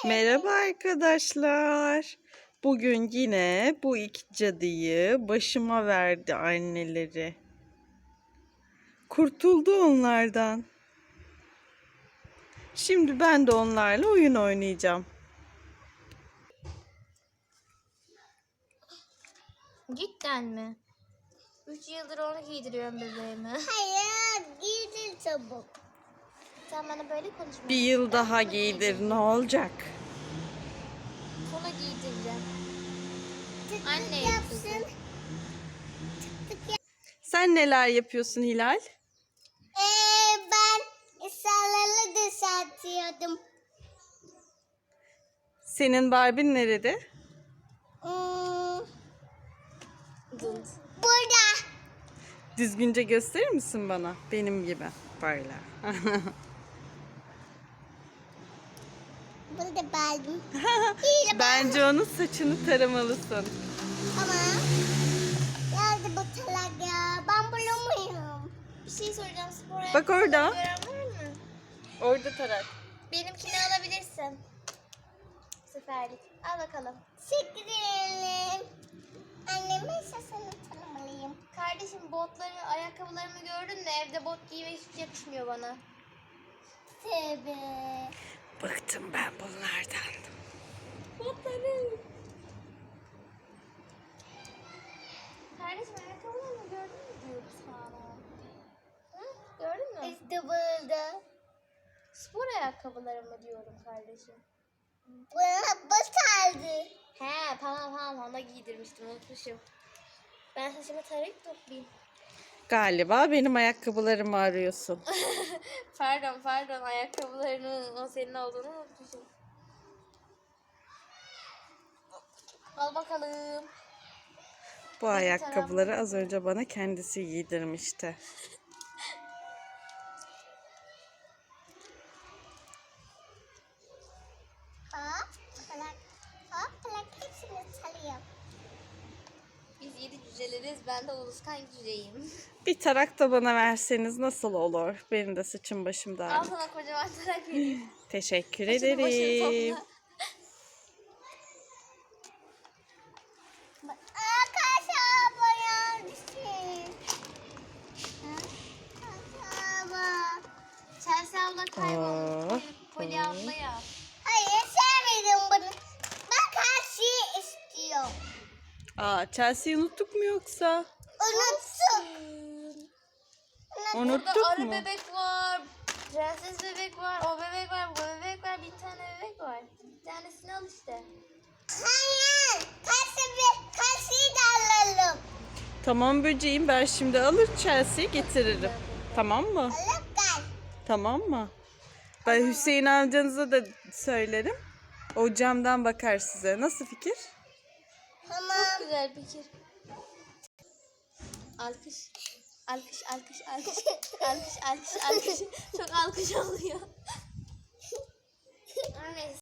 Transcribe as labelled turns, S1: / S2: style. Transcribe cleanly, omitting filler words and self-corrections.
S1: Merhaba arkadaşlar. Bugün yine bu iki cadıyı başıma verdi anneleri. Kurtuldu onlardan. Şimdi ben de onlarla oyun oynayacağım.
S2: Cidden mi? 3 yıldır onu giydiriyorum bebeğime.
S3: Hayır, giydir çabuk.
S2: Sen bana böyle konuşma.
S1: Bir yıl
S2: Ben
S1: daha
S2: bunu
S1: giydir,
S2: giydireceğim.
S1: ne olacak?
S2: Bunu giydireceğim.
S3: Tık
S2: Anne
S3: tık yapsın.
S1: Sen neler yapıyorsun Hilal?
S3: Ben sarılı düzeltiyordum.
S1: Senin Barbie'n nerede?
S2: Dın.
S3: Burada.
S1: Düzgünce gösterir misin bana? Benim gibi. Böyle.
S3: Burada baldım.
S1: Bence onun saçını taramalısın.
S3: Ama nerede bu talak ya? Ben bulamıyorum.
S2: Bir şey soracağım, spor
S1: Bak orada.
S2: ayakkabıları gören var mı?
S1: Orada tarak.
S2: Benimkini alabilirsin. Bu seferlik. Al bakalım.
S3: Teşekkür ederim. Annemin sesini tanımalıyım.
S2: Kardeşim botları, ayakkabılarımı gördün de evde bot giymek hiç yakışmıyor bana.
S3: Tabii.
S1: Bıktım ben bunlardan.
S2: Botları. Kardeşim ayakkabılarımı gördün mü diyorum sana. Hı? Gördün mü?
S3: İşte burada.
S2: Spor ayakkabılarımı diyorum kardeşim.
S3: Bana bu sardı.
S2: He tamam ona giydirmiştim, unutmuşum. Ben saçımı tarayıp toplayayım.
S1: Galiba benim ayakkabılarımı arıyorsun.
S2: Pardon ayakkabılarının o senin olduğunu unutmuşum. Al bakalım.
S1: Bu ayakkabıları az önce bana kendisi giydirmişti.
S3: Hop, plak. Hop, plak hepsini çalıyor.
S2: Biz 7 cüceleriz, ben de Uluskan cüceyim.
S1: Bir tarak da bana verseniz nasıl olur? Benim de saçım başım
S2: Al
S1: dağınık.
S2: sana kocaman tarak vereyim.
S1: Teşekkür
S2: Saçını başını
S1: ederim.
S2: topla.
S3: Arkadaşlar bayağı düşün. Baba.
S2: Chelsea abla kaybolmuş.
S1: Oh,
S2: Poli abla ya.
S3: Hayır sevmedim bunu. Ben karşıyı istiyorum.
S1: Aa, Chelsea'yi unuttuk mu yoksa?
S3: Unuttum.
S2: Burada
S1: Unuttuk
S2: arı
S1: mu?
S2: bebek var. Prenses bebek var. O bebek var. Bu bebek var. Bir tane bebek var. Bir tanesini al işte.
S3: Hayır. Karşıyı da alalım.
S1: Tamam böceğim, ben şimdi alır Chelsea'yi getiririm. Tamam mı?
S3: Alıp gel.
S1: Tamam mı? Ben Hüseyin amcanıza da söylerim. O camdan bakar size. Nasıl fikir?
S3: Tamam.
S2: Çok güzel fikir. Alkış. Alkış. Alkış. Çok alkış oluyor. Neyse.